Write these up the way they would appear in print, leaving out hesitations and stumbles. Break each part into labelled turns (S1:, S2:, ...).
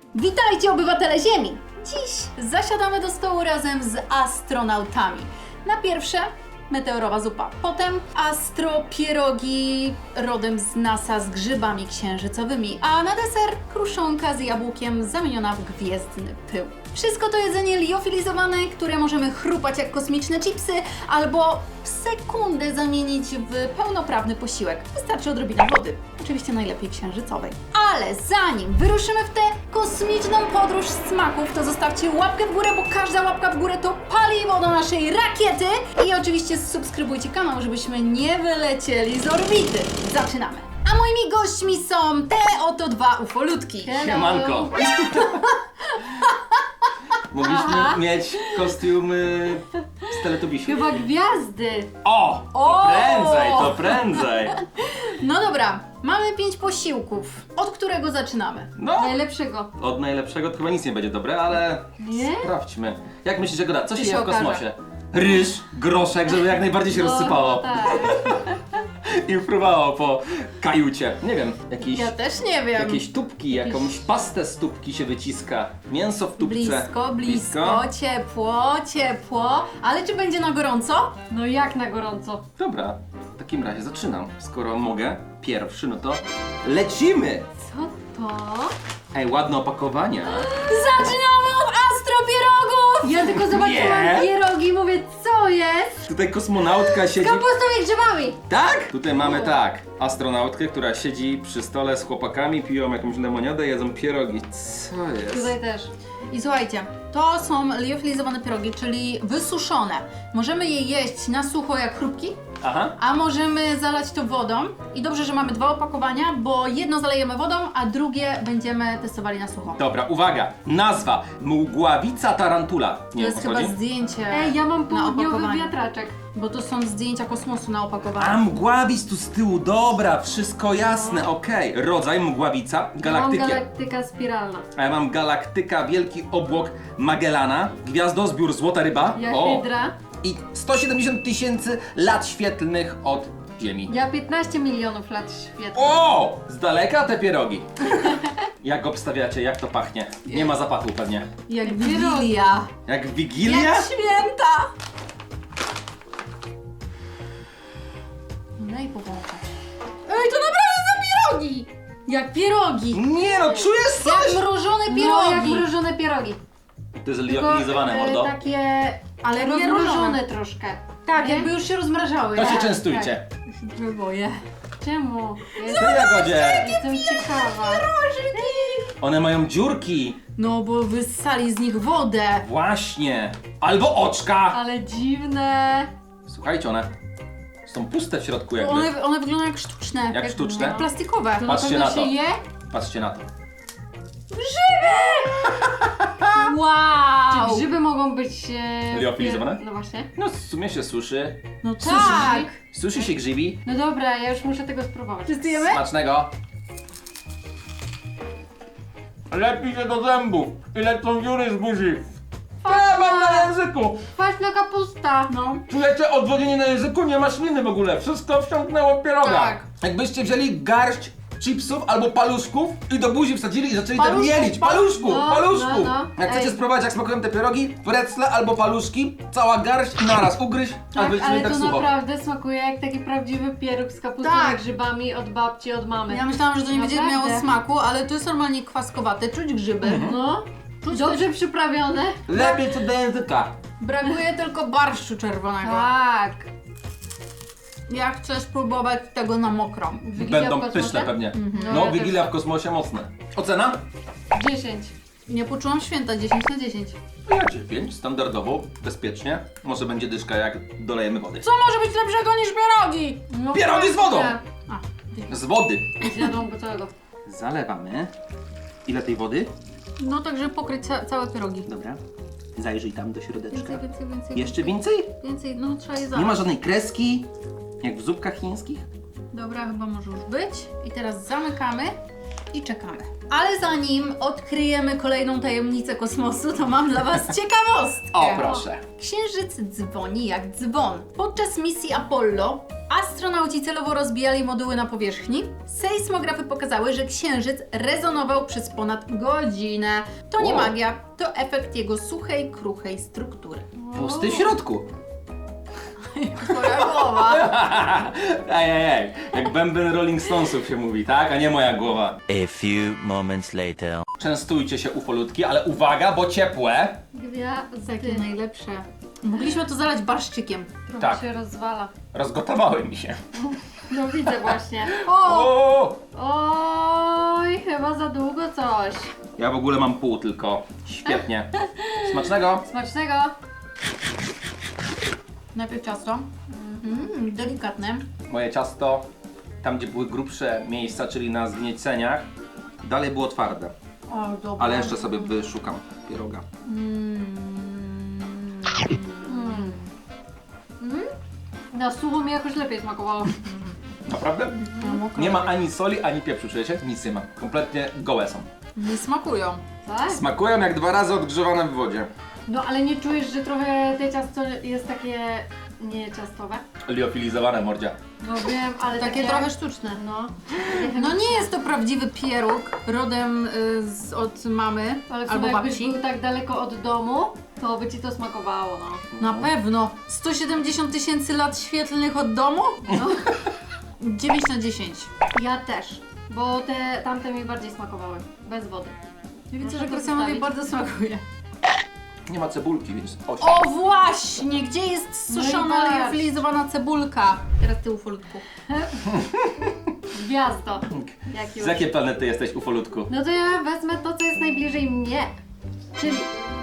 S1: Witajcie, obywatele Ziemi! Dziś zasiadamy do stołu razem z astronautami. Na pierwsze meteorowa zupa, potem astropierogi rodem z NASA z grzybami księżycowymi, a na deser kruszonka z jabłkiem zamieniona w gwiezdny pył. Wszystko to jedzenie liofilizowane, które możemy chrupać jak kosmiczne chipsy albo w sekundę zamienić w pełnoprawny posiłek. Wystarczy odrobina wody, oczywiście najlepiej księżycowej. Ale zanim wyruszymy w tę kosmiczną podróż smaków, to zostawcie łapkę w górę, bo każda łapka w górę to paliwo do naszej rakiety i oczywiście subskrybujcie kanał, żebyśmy nie wylecieli z orbity. Zaczynamy! A moimi gośćmi są te oto dwa ufolutki.
S2: Siemanko! Mogliśmy mieć kostiumy z Teletubbiesiów.
S3: Chyba gwiazdy.
S2: O!
S1: O!
S2: To prędzej, to prędzej!
S1: No dobra, mamy 5 posiłków. Od którego zaczynamy?
S2: No,
S3: Najlepszego.
S2: od najlepszego to chyba nic nie będzie dobre, ale
S3: Nie?
S2: sprawdźmy. Jak myślisz, że Goda, co się
S1: się
S2: je w
S1: okaże.
S2: kosmosie? Ryż, groszek, żeby jak najbardziej się rozsypało
S3: Tak.
S2: i fruwało po kajucie. Nie wiem,
S1: Ja też nie wiem.
S2: jakieś tubki, jakąś pastę z tubki się wyciska. Mięso w tubce.
S1: Blisko, ciepło. Ale czy będzie na gorąco?
S3: No jak na gorąco.
S2: Dobra, w takim razie zaczynam. Skoro mogę, pierwszy, no to lecimy!
S3: Co to?
S2: Ej, ładne opakowania.
S1: Zaczynamy od astropierogów!
S3: Ja tylko zobaczyłam
S2: Nie.
S3: pierogi i mówię, co jest?
S2: Tutaj kosmonautka siedzi...
S3: Kapustą i grzybami.
S2: Tak? Tutaj mamy tak, astronautkę, która siedzi przy stole z chłopakami, piją jakąś lemoniadę, jedzą pierogi. Co jest?
S3: Tutaj też.
S1: I słuchajcie, to są liofilizowane pierogi, czyli wysuszone. Możemy je jeść na sucho jak chrupki,
S2: Aha.
S1: a możemy zalać to wodą. I dobrze, że mamy 2 opakowania, bo jedno zalejemy wodą, a drugie będziemy testowali na sucho.
S2: Dobra, uwaga, nazwa Mgławica tarantula.
S1: To
S2: Nie wiem,
S1: jest
S2: o co
S1: chyba
S2: chodzi?
S1: zdjęcie
S3: Ej, ja mam
S1: na
S3: południowy
S1: opakowaniu,
S3: wiatraczek.
S1: bo to są zdjęcia kosmosu na
S2: A
S1: opakowaniu.
S2: mgławic tu z tyłu, dobra, wszystko jasne, okej. Rodzaj mgławica,
S3: Ja mam
S2: galaktyka.
S3: galaktyka spiralna.
S2: A ja mam galaktyka, wielki obłok Magellana, gwiazdozbiór Złota Ryba.
S3: Ja
S2: O!
S3: hydra.
S2: I 170 000 lat świetlnych od Ziemi.
S3: Ja 15 milionów lat świetnych.
S2: O! Z daleka te pierogi. Jak obstawiacie, jak to pachnie? Nie ma zapachu pewnie.
S1: Jak
S3: Pierogi.
S1: Wigilia.
S2: Jak Wigilia?
S1: Jak święta! Daj powąchać. Ej, to naprawdę są pierogi! Jak pierogi!
S2: Nie no, czujesz coś?
S1: Jak mrożone
S3: No, jak
S1: pierogi!
S3: mrożone pierogi.
S2: To jest
S3: Tylko,
S2: liofilizowane, mordo.
S3: takie
S1: Ale nie
S3: rozmrożone
S1: mrożone.
S3: troszkę.
S1: Tak,
S3: Nie?
S1: jakby już się rozmrażały.
S2: To się
S3: tak,
S2: częstujcie.
S1: się boję.
S3: Czemu?
S2: Ty Jagodzie!
S3: Jestem ciekawa.
S2: One mają dziurki.
S1: No bo wyssali z nich wodę.
S2: Właśnie. Albo oczka.
S3: Ale dziwne.
S2: Słuchajcie, one są puste w środku jakby.
S1: One wyglądają jak sztuczne.
S2: Jak sztuczne?
S1: Jak plastikowe.
S3: To
S2: Patrzcie
S3: na
S2: na
S3: pewno
S2: to.
S3: się je?
S2: Patrzcie na to.
S1: Wow!
S3: Czy grzyby mogą być...
S2: Liofilizowane?
S3: No właśnie.
S2: No w sumie się suszy.
S1: No tak!
S2: Sushi się grzybi.
S3: No dobra, ja już muszę tego spróbować.
S1: Testujemy?
S2: Smacznego. Lepi się do zębów i lecą dziury z buzi. Mam na języku.
S3: Kwaśna kapusta.
S1: No.
S2: Czujecie odwodnienie na języku? Nie ma śliny w ogóle. Wszystko wsiąknęło w pieroga.
S1: Tak.
S2: Jakbyście wzięli garść chipsów albo paluszków i do buzi wsadzili i zaczęli tam
S1: Paluszków,
S2: mielić. Paluszku,
S3: no,
S2: paluszku.
S3: no.
S2: Jak chcecie
S3: Ej.
S2: spróbować jak smakują te pierogi, precle albo paluszki, cała garść i naraz ugryź, a
S3: Tak,
S2: będziecie
S3: ale
S2: mieli
S3: to
S2: tak sucho.
S3: naprawdę smakuje jak taki prawdziwy pieróg z kapustą
S1: Tak.
S3: i grzybami od babci, od mamy.
S1: Ja myślałam, że to nie będzie
S3: Naprawdę.
S1: miało smaku, ale to jest normalnie kwaskowate. Czuć grzyby.
S3: No,
S1: Czuć
S3: dobrze przyprawione.
S2: Lepiej co do języka.
S1: Brakuje tylko barszczu czerwonego.
S3: Tak.
S1: Ja chcę spróbować tego na mokro.
S3: Wigilia
S2: Będą
S3: w kosmosie?
S2: pyszne pewnie.
S3: No, ja
S2: Wigilia
S3: też.
S2: w kosmosie mocne. Ocena?
S3: 10.
S1: Nie poczułam święta 10 na 10.
S2: Ja 9, standardowo, bezpiecznie. Może będzie dyszka jak dolejemy wody.
S1: Co może być lepszego niż pierogi?
S3: No,
S2: Pierogi z wodą!
S1: A,
S2: Z wody.
S3: Zjadą go całego.
S2: Zalewamy. Ile tej wody?
S1: no także pokryć całe pierogi.
S2: Dobra. Zajrzyj tam do środeczka.
S1: Więcej.
S2: Jeszcze więcej?
S1: Więcej, no trzeba je
S2: Nie
S1: zalać.
S2: ma żadnej kreski, jak w zupkach chińskich?
S1: Dobra, chyba może już być. I teraz zamykamy i czekamy. Ale zanim odkryjemy kolejną tajemnicę kosmosu, to mam dla Was ciekawostkę.
S2: O, proszę.
S1: Księżyc dzwoni jak dzwon. Podczas misji Apollo astronauci celowo rozbijali moduły na powierzchni. Sejsmografy pokazały, że Księżyc rezonował przez ponad godzinę. To nie
S2: Wow.
S1: magia, to efekt jego suchej, kruchej struktury.
S2: Pusty w środku.
S1: Twoja głowa.
S2: Ej, jak bęben Rolling Stonesów się mówi, tak? A nie moja głowa.
S4: A few moments later.
S2: Częstujcie się ufolutki, ale uwaga, bo ciepłe.
S1: Takie najlepsze. Mogliśmy to zalać barszczykiem.
S3: Trochę
S2: Tak.
S3: się rozwala.
S2: Rozgotowały mi się.
S3: No widzę właśnie.
S2: O!
S3: Oj, chyba za długo coś.
S2: Ja w ogóle mam pół tylko. Świetnie. Smacznego.
S3: Smacznego.
S1: Najpierw ciasto. Delikatne.
S2: Moje ciasto, tam gdzie były grubsze miejsca, czyli na zgnieceniach, dalej było twarde.
S1: O, dobra.
S2: Ale jeszcze sobie wyszukam pieroga.
S3: Na sucho mi jakoś lepiej smakowało.
S2: Naprawdę? Nie ma ani soli, ani pieprzu, czujecie? Nic nie ma. Kompletnie gołe są.
S1: Nie smakują.
S3: Tak?
S2: Smakują jak 2 razy odgrzewane w wodzie.
S3: No ale nie czujesz, że trochę te ciasto jest takie nieciastowe?
S2: Liofilizowane mordzia.
S3: No wiem, ale
S1: Takie trochę sztuczne.
S3: No.
S1: No nie jest to prawdziwy pieróg, rodem od mamy
S3: Ale w
S1: albo
S3: sumie jakbyś
S1: babci.
S3: był tak daleko od domu, to by ci to smakowało, no.
S1: Na pewno. 170 000 lat świetlnych od domu?
S3: No.
S1: 9 na 10.
S3: Ja też, bo te tamte mi bardziej smakowały, bez wody.
S1: Ja widzę,
S3: Muszę
S1: że
S3: to
S1: Krystianowi
S3: wstawić.
S1: bardzo smakuje.
S2: Nie ma cebulki, więc oś.
S1: O właśnie! Gdzie jest
S3: No i
S1: suszona,
S3: patrz.
S1: liofilizowana cebulka? Teraz ty ufolutku.
S3: Gwiazdo. Jak już.
S2: Z jakiej planety jesteś, ufolutku?
S3: No to ja wezmę to, co jest najbliżej mnie, czyli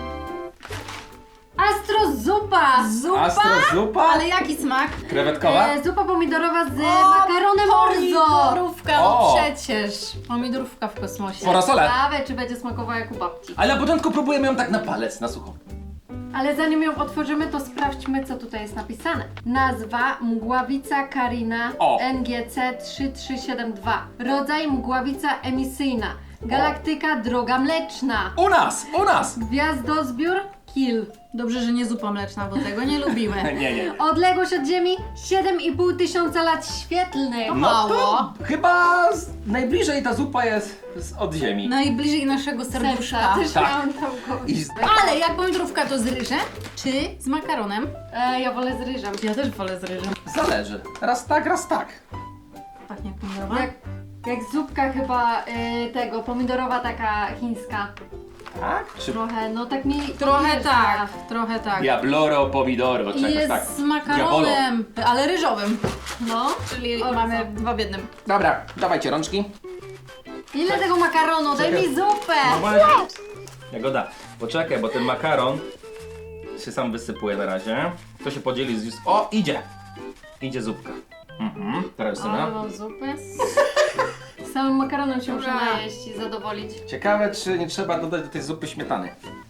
S3: astrozupa!
S1: Zupa?
S2: Astrozupa?
S1: Ale jaki smak?
S2: Krewetkowa?
S3: Zupa pomidorowa z makaronem orzo!
S1: Pomidorówka, no
S2: O!
S1: przecież. Pomidorówka w kosmosie.
S2: Porasole.
S3: Ciekawe, czy będzie smakowała jak u babci.
S2: Ale na początku próbujemy ją tak na palec, na sucho.
S3: Ale zanim ją otworzymy, to sprawdźmy, co tutaj jest napisane. Nazwa mgławica Carina
S2: O.
S3: NGC 3372. Rodzaj mgławica emisyjna. Galaktyka droga mleczna.
S2: U nas! U nas!
S3: Gwiazdozbiór Kill.
S1: Dobrze, że nie zupa mleczna, bo tego nie lubimy.
S2: Nie.
S3: Odległość od Ziemi 7,5 tysiąca lat świetlnych.
S1: No.
S2: No
S1: Mało.
S2: to chyba najbliżej ta zupa jest od ziemi.
S1: Najbliżej naszego serduszka.
S3: Serca. Też
S2: Tak.
S3: miałam tam kogoś.
S2: I z...
S1: Ale jak pomidorówka to z ryżem, czy z makaronem?
S3: Ja wolę z ryżem.
S1: Ja też wolę z ryżem.
S2: Zależy. Raz tak, raz tak.
S1: Pachnie jak pomidorowa.
S3: Jak zupka chyba tego, pomidorowa taka chińska.
S2: Tak? Czy
S3: Trochę, no tak mi...
S1: Trochę
S3: podjeżdża.
S1: tak, trochę tak.
S2: Diabloro pomidoro,
S1: I
S2: czegoś
S1: jest
S2: tak.
S1: z makaronem, ale ryżowym.
S3: No.
S1: Czyli
S3: Orzo.
S1: mamy 2 w 1.
S2: Dobra, dawajcie rączki.
S3: Ile tego makaronu? Daj mi zupę!
S2: Jagoda, poczekaj, bo ten makaron się sam wysypuje na razie. To się podzieli z... O, idzie! Idzie zupka. Teraz
S3: Ale
S2: syna.
S3: mam zupę. Samym makaronem się muszę
S1: Dobra.
S3: najeść i zadowolić.
S2: Ciekawe, czy nie trzeba dodać do tej zupy śmietany.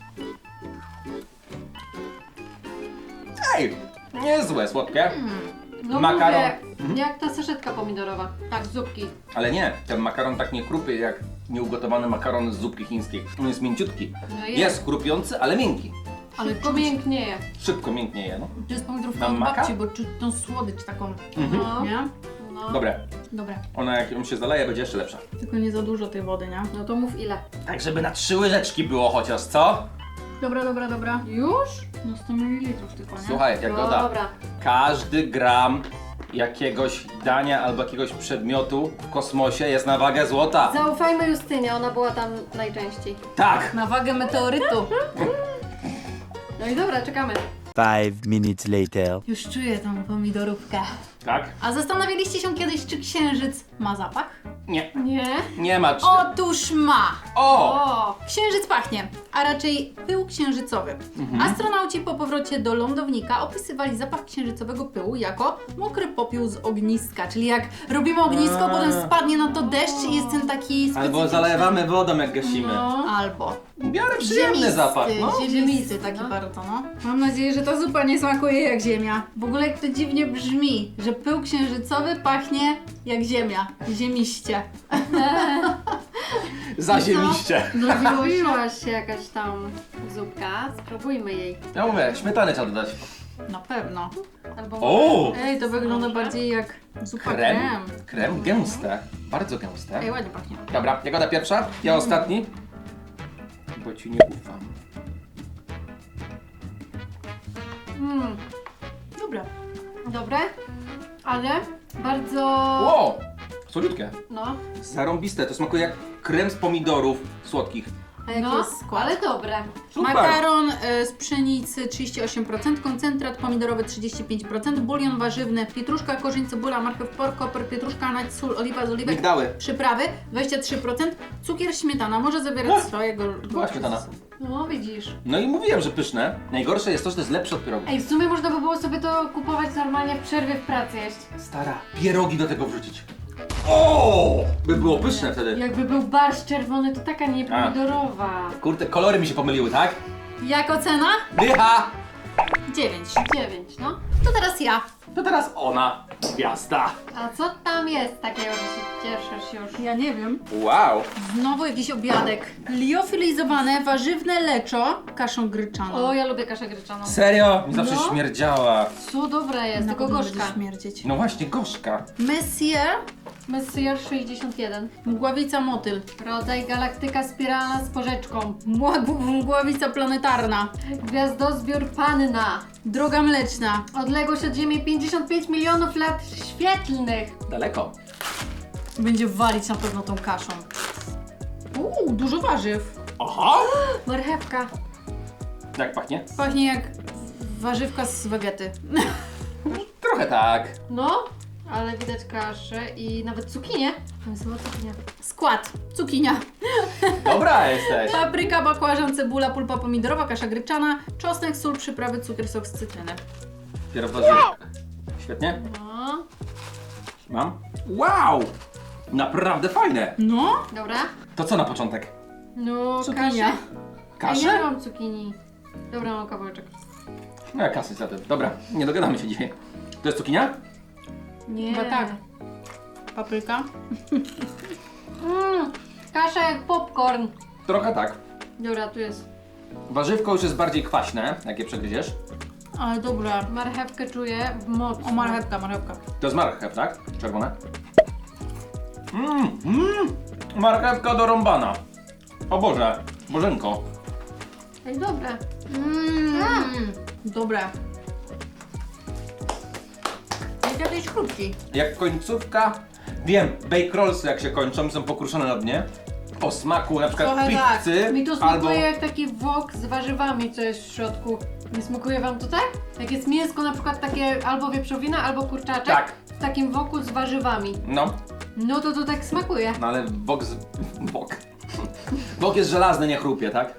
S2: Ej! Niezłe, słodkie.
S3: No
S2: Makaron.
S3: mówię, jak ta saszetka pomidorowa.
S1: Tak, zupki.
S2: Ale nie, ten makaron tak nie chrupie jak nieugotowany makaron z zupki chińskiej. On jest mięciutki.
S3: No
S2: Jest chrupiący, ale miękki.
S1: Ale
S3: Szybko mięknieje.
S2: Szybko mięknieje, no.
S1: To jest pomidorówka
S2: Mam
S1: od
S2: maka?
S1: babci, bo czuć tą słodycz taką.
S3: No.
S1: Nie?
S3: No.
S2: Dobre.
S1: Dobra.
S2: Ona jak ją się zaleje, będzie jeszcze lepsza.
S1: Tylko nie za dużo tej wody, nie?
S3: No to mów ile.
S2: Tak, żeby na 3 łyżeczki było chociaż, co?
S1: Dobra.
S3: Już?
S1: No 100 ml tylko, nie?
S2: Słuchaj, Jagoda,
S3: Dobra.
S2: każdy gram jakiegoś dania albo jakiegoś przedmiotu w kosmosie jest na wagę złota.
S3: Zaufajmy Justynie, ona była tam najczęściej.
S2: Tak!
S1: Na wagę meteorytu.
S3: No i dobra, czekamy.
S4: 5 minutes later.
S1: Już czuję tą pomidorówkę.
S2: Tak?
S1: A zastanawialiście się kiedyś, czy księżyc ma zapach?
S2: Nie.
S3: Nie?
S2: Nie ma.
S1: Otóż ma!
S2: O!
S3: O!
S1: Księżyc pachnie, a raczej pył księżycowy. Astronauci po powrocie do lądownika opisywali zapach księżycowego pyłu jako mokry popiół z ogniska. Czyli jak robimy ognisko, potem spadnie na to deszcz i jest ten taki
S2: Albo
S1: specyficzny.
S2: zalewamy wodą jak gasimy.
S3: No.
S1: Albo.
S2: W miarę przyjemny zapach, no.
S1: Ziemisty taki
S3: no.
S1: bardzo, no. Mam nadzieję, że ta zupa nie smakuje jak ziemia. W ogóle jak to dziwnie brzmi, że pył księżycowy pachnie jak ziemia. Ziemiście.
S2: Zaziemiście.
S3: Zrobiłaś się jakaś tam zupka, spróbujmy jej.
S2: Ja mówię, śmietany trzeba dodać.
S1: Na pewno.
S3: Albo
S2: O!
S1: Ej, to wygląda bardziej jak zupa
S2: Krem.
S1: krem.
S2: Krem gęste. Bardzo gęste.
S1: Ej, ładnie pachnie.
S2: Dobra, Jagoda pierwsza, ja ostatni. Bo ci nie ufam.
S1: Dobra.
S3: Dobre, ale bardzo...
S2: Ło! Słodziutkie.
S3: No,
S2: Zarąbiste, to smakuje jak krem z pomidorów słodkich.
S1: A jaki
S3: no,
S1: jest skład?
S3: ale dobre.
S2: Super!
S1: Makaron z pszenicy 38%, koncentrat pomidorowy 35%, bulion warzywny, pietruszka, korzeń, cebula, marchew, pork, koper, pietruszka, nać, sól, oliwa z oliwek,
S2: Migdały.
S1: przyprawy 23%, cukier, śmietana, może zawierać swojego...
S2: Była śmietana.
S3: No, widzisz.
S2: No i mówiłem, że pyszne. Najgorsze jest to, że to jest lepsze od pierogów.
S3: Ej, w sumie można by było sobie to kupować normalnie w przerwie w pracy jeść.
S2: Stara, pierogi do tego wrzucić. O! By było pyszne wtedy.
S3: Jakby był barszcz czerwony, to taka nie pomidorowa.
S2: Kurde, kolory mi się pomyliły, tak?
S1: Jak ocena?
S2: Dycha!
S1: 9.
S3: 9, no.
S1: To teraz ja.
S2: To teraz ona, gwiazda.
S3: A co tam jest takiego, że się cieszysz już?
S1: Ja nie wiem.
S2: Wow.
S1: Znowu jakiś obiadek. Liofilizowane warzywne leczo kaszą gryczaną.
S3: O, ja lubię kaszę gryczaną.
S2: Serio? Mi zawsze
S3: No.
S2: śmierdziała.
S3: Co dobre jest, tylko
S1: pewno
S3: gorzka.
S1: będzie śmierdzieć.
S2: No właśnie, gorzka.
S1: Messier,
S3: Messier 61.
S1: mgławica motyl.
S3: Rodzaj galaktyka spiralna z porzeczką.
S1: Mgławica planetarna.
S3: Gwiazdozbiór panna.
S1: Droga mleczna.
S3: Odległość od Ziemi 55 milionów lat świetlnych.
S2: Daleko.
S1: Będzie walić na pewno tą kaszą. Dużo warzyw.
S2: Aha!
S3: Marchewka.
S2: Jak pachnie?
S1: Pachnie jak warzywka z wegety.
S2: Trochę tak.
S3: No, ale widać kaszę i nawet cukinię. To jest chyba cukinia.
S1: Skład. Cukinia.
S2: Dobra jesteś.
S1: Papryka, bakłażan, cebula, pulpa pomidorowa, kasza gryczana, czosnek, sól, przyprawy, cukier, sok z cytryny.
S2: Dopiero w warzywkach. Świetnie.
S3: No,
S2: Mam. Wow! Naprawdę fajne.
S1: No.
S3: dobra.
S2: To co na początek?
S3: No,
S1: Cukinia.
S3: kaszę.
S2: Kaszę?
S3: Ja nie mam cukinii. Dobra, mam kawałeczek.
S2: No ja kasy za tym. Dobra, nie dogadamy się dzisiaj. To jest cukinia?
S3: Nie.
S1: Chyba tak. Papryka.
S3: Kasza jak popcorn.
S2: Trochę tak.
S3: Dobra, tu jest.
S2: Warzywko już jest bardziej kwaśne, jak je przegryziesz.
S1: Ale dobra.
S3: Marchewkę czuję mocno.
S1: O, marchewka, marchewka.
S2: To jest marchew, tak? Czerwone. Marchewka dorąbana. O Boże, Bożenko.
S3: Ej, dobre.
S1: Dobre. Jak jakiejś chrupki.
S2: Jak końcówka. Wiem, bake rollsy jak się kończą, są pokruszone na dnie. O smaku na przykład
S1: Trochę tak.
S2: pizzy
S3: Mi to smakuje
S2: albo...
S3: jak taki wok z warzywami, co jest w środku. Nie smakuje wam to tak? Jak jest mięsko na przykład takie albo wieprzowina, albo kurczaczek
S2: Tak.
S3: w takim woku z warzywami.
S2: No,
S3: No to tak smakuje.
S2: no ale bok z... bok. Bok jest żelazny, nie chrupie, tak?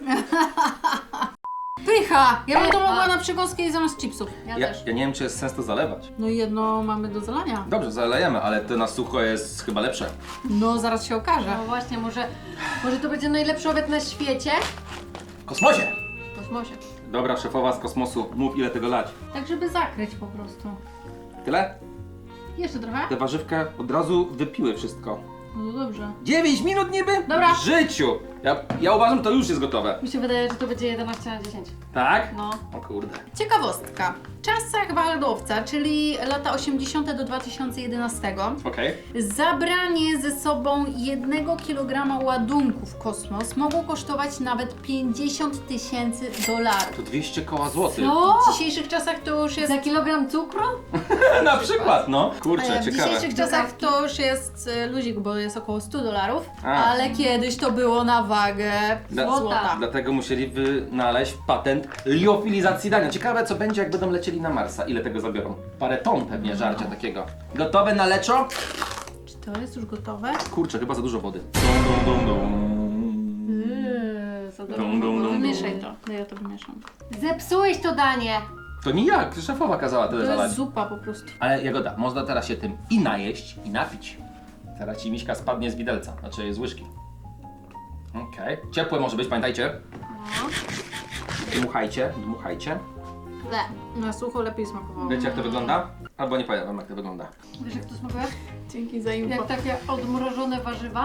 S1: Pycha! Ja bym to
S3: Pycha.
S1: mogła na przekąskę zamiast chipsów.
S3: Ja
S2: Ja,
S3: też.
S2: ja nie wiem, czy jest sens to zalewać.
S1: No i jedno mamy do zalania.
S2: Dobrze, zalejemy, ale to na sucho jest chyba lepsze.
S1: No, zaraz się okaże.
S3: No właśnie, może to będzie najlepszy obiad na świecie?
S2: W kosmosie!
S3: W kosmosie.
S2: Dobra, szefowa z kosmosu, mów ile tego lać.
S1: Tak, żeby zakryć po prostu.
S2: Tyle?
S1: Jeszcze trochę?
S2: Te warzywka od razu wypiły wszystko.
S1: No dobrze.
S2: 9 minut niby?
S1: Dobra.
S2: W życiu! Ja uważam, że to już jest gotowe.
S3: Mi się wydaje, że to będzie 11 na 10.
S2: Tak?
S3: No.
S2: O kurde.
S1: Ciekawostka. W czasach waldowca, czyli lata 80. do 2011,
S2: Okej.
S1: zabranie ze sobą 1 kg ładunku w kosmos mogło kosztować nawet $50,000.
S2: To 200 koła złotych.
S3: Co?
S1: W dzisiejszych czasach to już jest...
S3: Za kilogram cukru?
S2: Na przykład, no. Kurczę,
S1: W
S2: ciekawe.
S1: dzisiejszych czasach to już jest luzik, bo jest około $100,
S2: A.
S1: ale kiedyś to było na wagę złota.
S2: Dlatego musieli wynaleźć patent liofilizacji dania. Ciekawe, co będzie, jak będą lecieli na Marsa. Ile tego zabiorą? Parę ton pewnie żarcia takiego. Gotowe na leczo?
S1: Czy to jest już gotowe?
S2: Kurczę, chyba za dużo wody. Dum, dum, dum, dum.
S3: Za
S2: Dum, dum, dum, dum.
S1: Wymieszaj to. No ja to wymieszam.
S3: Zepsułeś to danie!
S2: To nijak, szefowa kazała tyle
S1: To
S2: zalać.
S1: jest zupa po prostu.
S2: Ale Jagoda, można teraz się tym i najeść, i napić. Teraz ci miśka spadnie z widelca, znaczy z łyżki. Okej. Ciepłe może być, pamiętajcie.
S3: No.
S2: Dmuchajcie, dmuchajcie.
S1: Na sucho lepiej smakowało.
S2: Wiecie jak to wygląda? Albo nie pamiętam jak to wygląda.
S3: Wiesz jak to smakuje?
S1: Dzięki za info.
S3: Jak takie odmrożone warzywa.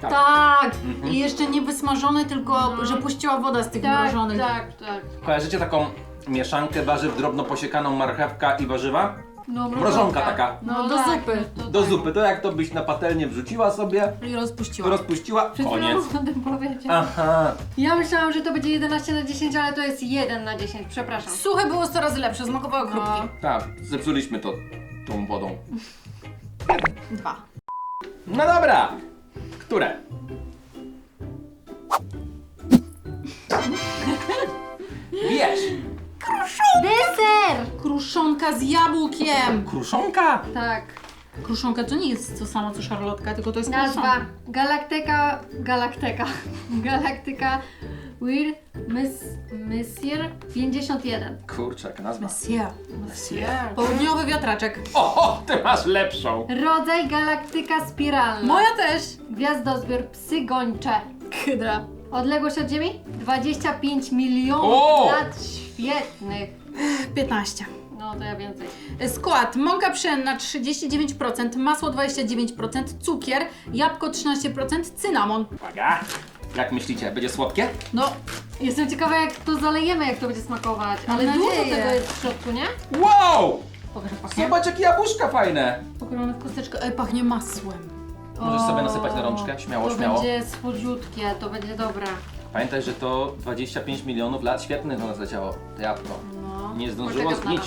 S1: Tak! I jeszcze nie wysmażone, tylko że puściła woda z tych mrożonych.
S3: tak.
S2: Kojarzycie taką mieszankę warzyw, drobno posiekaną marchewka i warzywa?
S3: No,
S2: Mrożonka taka.
S1: No, do
S3: tak,
S1: zupy.
S3: to
S2: Do
S3: tak.
S2: zupy, to jak to byś na patelnię wrzuciła sobie,
S1: I rozpuściła.
S2: rozpuściła,
S3: Przed
S2: koniec.
S3: chwilą o tym powiedział.
S2: Aha.
S3: Ja myślałam, że to będzie 11 na 10, ale to jest 1 na 10, przepraszam.
S1: Suche było 100 razy lepsze, smakowało chrupki.
S2: Tak, zepsuliśmy to tą wodą.
S1: 2.
S2: No dobra. Które? Wiesz.
S3: Deser!
S1: Kruszonka z jabłkiem.
S2: Kruszonka.
S3: Tak.
S1: Kruszonka to nie jest to samo co szarlotka, tylko to jest
S3: Nazwa
S1: kruszonka.
S3: Galaktyka Weird Messier 51.
S2: Kurczę, jaka nazwa.
S1: Monsieur.
S2: Monsieur.
S1: Południowy wiatraczek.
S2: O, ty masz lepszą.
S3: Rodzaj galaktyka spiralna.
S1: Moja też.
S3: Gwiazdozbiór psy gończe.
S1: Hydra.
S3: Odległość od Ziemi? 25 milionów
S2: O!
S3: lat świetnych.
S1: 15.
S3: No to ja więcej.
S1: Skład: mąka pszenna 39%, masło 29%, cukier, jabłko 13%, cynamon.
S2: Uwaga. Jak myślicie, będzie słodkie?
S1: No,
S3: Jestem ciekawa jak to zalejemy, jak to będzie smakować.
S1: Mam
S3: Ale dużo
S1: nadzieję.
S3: tego jest w środku, nie?
S2: Wow!
S1: pokaż jak pachnie.
S2: Zobacz, jakie jabłuszka fajne.
S1: Pokrojone w kosteczkę. Ej, pachnie masłem.
S2: Możesz
S3: O,
S2: sobie nasypać na rączkę, śmiało,
S3: to
S2: śmiało.
S3: będzie słodziutkie, to będzie dobre.
S2: Pamiętaj, że to 25 milionów lat świetnych do nas leciało, to jabłko.
S3: No.
S2: Nie zdążyło
S3: Poczekam na
S2: zgnić.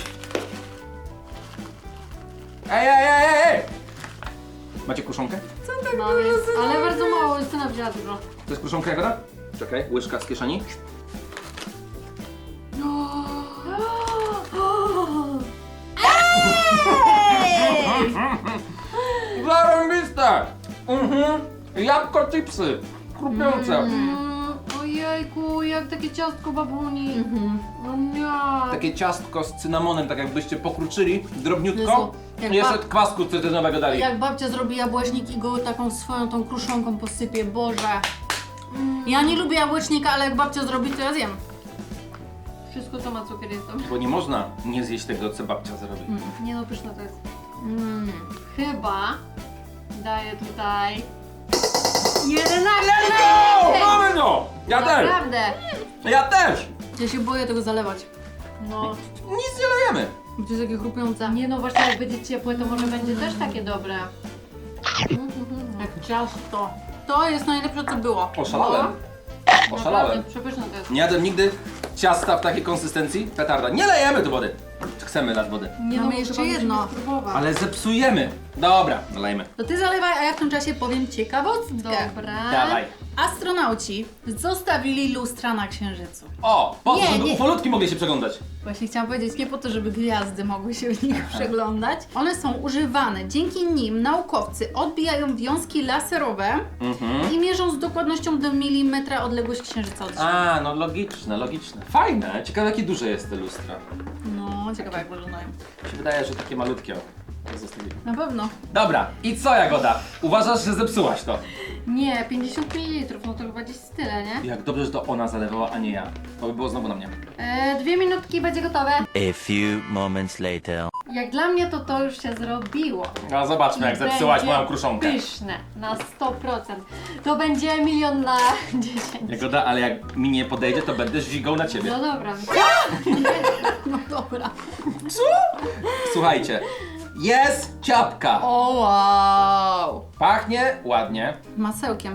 S2: Ej! Macie kruszonkę?
S3: No, jest, ale bardzo mało, Justyna wzięła dużo.
S2: To jest kruszonka Jagoda? Czekaj, łyżka z kieszeni. Zarąbiste! Jabłko chipsy, chrupiące.
S3: Ojejku, jak takie ciastko babuni. O nie.
S2: Takie ciastko z cynamonem, tak jakbyście pokruczyli drobniutko.
S1: Jezu, jak
S2: I jeszcze
S1: ba-
S2: kwasku cytrynowego dali.
S1: Jak babcia zrobi jabłecznik i go taką swoją tą kruszonką posypie, Boże. Ja nie lubię jabłecznika, ale jak babcia zrobi, to ja zjem.
S3: Wszystko co ma cukier jest dobre.
S2: Bo nie można nie zjeść tego, co babcia zrobi.
S3: Nie no, pyszne to jest. Chyba daję tutaj 11.
S2: No! Mamy to! Ja też!
S3: Naprawdę.
S2: Ja też!
S1: Ja się boję tego zalewać,
S3: No.
S2: Nic nie lejemy.
S1: bo to jest takie chrupiące.
S3: Nie no, właśnie jak będzie ciepłe, to może będzie też takie dobre.
S1: Jak ciasto. To jest najlepsze, co było.
S2: Oszalałem. Oszalałem.
S3: Naprawdę, przepyszne to jest.
S2: Nie jadłem nigdy ciasta w takiej konsystencji. Petarda. Nie lejemy tu wody. Chcemy dać wody.
S3: Nie
S1: Mamy
S3: no,
S1: jeszcze
S3: chyba musimy
S1: jedno.
S3: spróbować.
S2: Ale zepsujemy. Dobra, nalejmy.
S1: To ty zalewaj, a ja w tym czasie powiem ciekawostkę.
S3: Dobra.
S2: Dawaj.
S1: Astronauci zostawili lustra na Księżycu.
S2: O, po to,
S1: Nie,
S2: żeby
S1: nie.
S2: ufolutki mogli się przeglądać.
S1: Właśnie chciałam powiedzieć, nie po to, żeby gwiazdy mogły się w nich przeglądać. One są używane. Dzięki nim naukowcy odbijają wiązki laserowe i mierzą z dokładnością do milimetra odległość Księżyca od Ziemi.
S2: A, no logiczne, logiczne. Fajne. Ciekawe, jakie duże jest te lustra.
S1: No, ciekawe jak wyglądają.
S2: Mi się wydaje, że takie malutkie. Zostawili.
S1: Na pewno.
S2: Dobra, i co Jagoda? Uważasz, że zepsułaś to?
S3: Nie, 50 ml, no to chyba gdzieś tyle, nie?
S2: Jak dobrze, że to ona zalewała, a nie ja. To by było znowu na mnie.
S3: 2 minutki będzie gotowe.
S4: A few moments later.
S3: Jak dla mnie to już się zrobiło.
S2: A zobaczmy, jak
S3: I
S2: zepsułaś
S3: będzie
S2: moją kruszonkę.
S3: Pyszne, na 100%. To będzie 1 na 10.
S2: Jagoda, ale jak mi nie podejdzie, to będę żigał na ciebie.
S3: No dobra.
S1: No dobra.
S2: Co? Słuchajcie, jest ciapka.
S1: O wow!
S2: Pachnie ładnie.
S1: Masełkiem.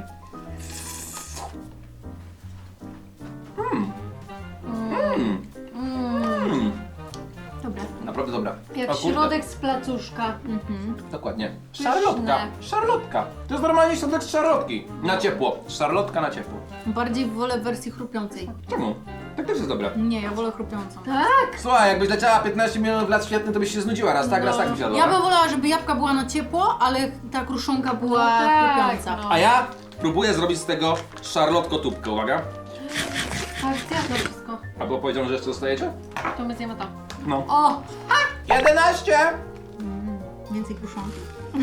S1: Dobra.
S2: Naprawdę dobra.
S3: Jak
S2: O kurde.
S3: środek z placuszka.
S2: Dokładnie. Szarlotka. Szarlotka. To jest normalnie środek z szarlotki. Na ciepło. Szarlotka na ciepło.
S1: Bardziej wolę wersji chrupiącej.
S2: Czemu? Tak też jest dobre.
S1: Nie, ja wolę chrupiącą.
S3: Tak?
S2: Słuchaj, jakbyś leciała 15 milionów lat świetnych, to byś się znudziła. Raz tak byś jadła.
S1: Ja bym wolała, żeby jabłka była na ciepło, ale ta kruszonka była
S3: No tak,
S1: chrupiąca.
S3: no.
S2: A ja próbuję zrobić z tego szarlotko-tubkę, uwaga.
S3: Tak, zjadłam wszystko.
S2: A było powiedziane, że jeszcze dostajecie?
S3: To my zjemy to.
S2: No.
S3: O!
S2: 11!
S1: Więcej kruszonki.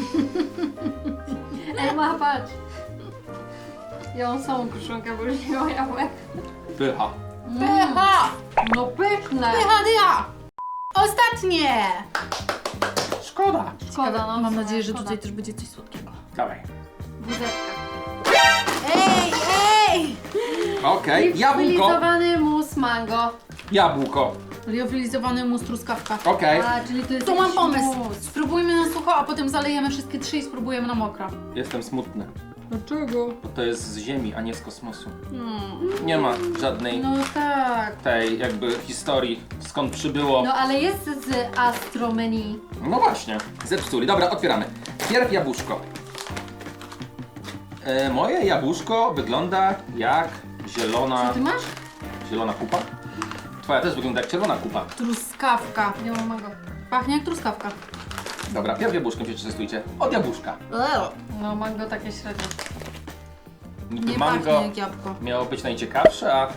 S3: Ema, patrz. Ja mam samą kruszonkę, bo już nie ma jabłek.
S2: Pycha.
S1: Pycha!
S3: No pyszne!
S1: Pycha dycha! Ostatnie!
S2: Szkoda.
S3: Szkoda, no.
S1: Mam nadzieję, że
S3: szkoda.
S1: tutaj też będzie coś słodkiego.
S2: Dawaj.
S3: Wózeczka.
S1: Jej!
S2: Okej, jabłko.
S3: Liofilizowany mus mango.
S2: Jabłko.
S1: Liofilizowany mus truskawka.
S2: Okej.
S3: A, czyli to jest
S1: To mam
S3: jakiś
S1: pomysł.
S3: mus.
S1: Spróbujmy na sucho, a potem zalejemy wszystkie trzy i spróbujemy na mokro.
S2: Jestem smutny,
S3: Dlaczego?
S2: bo to jest z Ziemi, a nie z kosmosu.
S1: Hmm.
S2: Nie ma żadnej
S1: No tak.
S2: tej jakby historii, skąd przybyło.
S3: No ale jest z Astro Menu.
S2: No właśnie, zepsuli. Dobra, otwieramy. Pierw jabłuszko. Moje jabłuszko wygląda jak zielona...
S3: Co ty masz?
S2: Zielona kupa? Twoja też wygląda jak czerwona kupa.
S1: Truskawka.
S3: Nie mam mango.
S1: Pachnie jak truskawka.
S2: Dobra, pierw jabłuszkiem się przetestujcie. Od jabłuszka.
S3: No mango takie średnie.
S2: Niby
S1: Nie
S2: mango
S1: pachnie jak jabłko.
S2: miało być najciekawsze, a...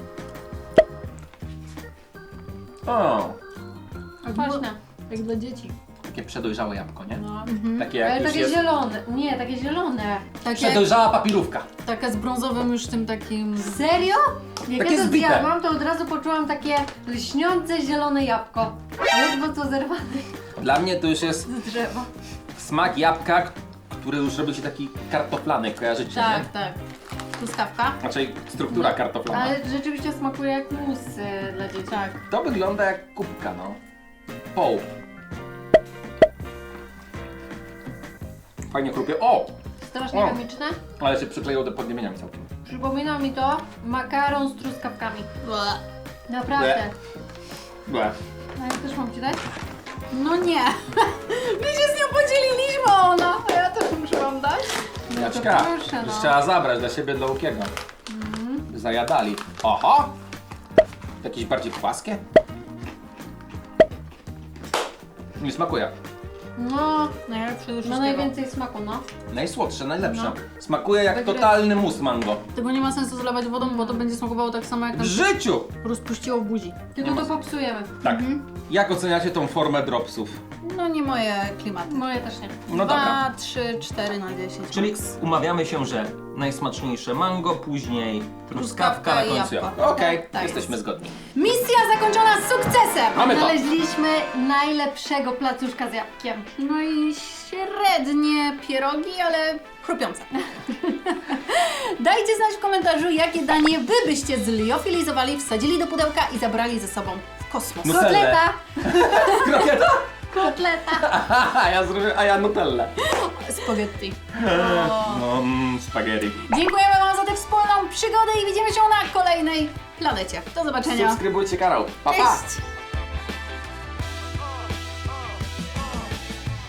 S2: O,
S3: Kwaśne.
S1: Jak dla dzieci.
S2: takie przedojrzałe jabłko, nie?
S3: No.
S2: Takie jak
S3: Ale
S2: już
S3: takie
S2: jest...
S3: zielone. Nie, takie zielone.
S1: Takie,
S2: Przedojrzała papirówka.
S1: taka z brązowym już tym takim...
S3: Serio? Jak
S2: Takie
S3: ja to
S2: zbite.
S3: zjadłam, to od razu poczułam takie lśniące zielone jabłko. Ledwo co zerwane
S2: Dla mnie to już jest
S3: z drzewa.
S2: smak jabłka, który już robi się taki kartoflany, kojarzycie,
S1: Tak,
S2: nie?
S1: tak. Truskawka.
S2: Znaczy struktura kartoflana.
S3: Ale rzeczywiście smakuje jak mus dla dzieci.
S1: Tak.
S2: To wygląda jak kubka, no. Poł. Fajnie chrupie. O!
S3: Strasznie
S2: O.
S3: chemiczne.
S2: Ale się przykleiło do podniebieniami całkiem.
S3: Przypomina mi to makaron z truskawkami.
S1: Ble.
S3: Naprawdę.
S2: Ble.
S3: A ja też mam ci dać?
S1: No nie. My się z nią podzieliliśmy, ona. A ja też muszę wam dać.
S2: Jaczka,
S3: proszę, no.
S2: już trzeba zabrać dla siebie, dla Łukiego. By zajadali. Oho! Jakieś bardziej płaskie? Nie smakuje.
S3: No,
S1: Najlepsze do
S3: ma
S1: wszystkiego.
S3: najwięcej smaku, no.
S2: Najsłodsze, najlepsze.
S3: No.
S2: Smakuje jak
S3: Wygry-
S2: totalny mus mango.
S1: Tego nie ma sensu zalewać wodą, bo to będzie smakowało tak samo jak
S2: W
S1: nam
S2: życiu!
S1: rozpuściło w buzi.
S3: Tylko
S2: Nie ma
S3: to popsujemy.
S2: Tak. Jak oceniacie tą formę dropsów?
S1: No nie moje klimaty.
S3: Moje też nie.
S2: No dobra.
S1: 2, 3, 4 na 10.
S2: Czyli umawiamy się, że najsmaczniejsze mango, później truskawka, na
S1: i
S2: końcu
S1: jabłko.
S2: jabłko. Okej,
S1: Tak, tak
S2: jesteśmy
S1: jest.
S2: zgodni.
S1: Misja zakończona sukcesem!
S2: Mamy to!
S3: Znaleźliśmy najlepszego placuszka z jabłkiem.
S1: No i średnie pierogi, ale chrupiące. Dajcie znać w komentarzu, jakie danie wy byście zliofilizowali, wsadzili do pudełka i zabrali ze sobą w kosmos.
S2: No. Nutellę.
S3: Kotleta!
S2: Krokieta?
S3: Kotleta!
S2: A ja nutellę.
S1: Spaghetti.
S2: No, spaghetti.
S1: Dziękujemy wam za tę wspólną przygodę i widzimy się na kolejnej planecie. Do zobaczenia.
S2: Subskrybujcie kanał. Pa, pa!
S1: Cześć!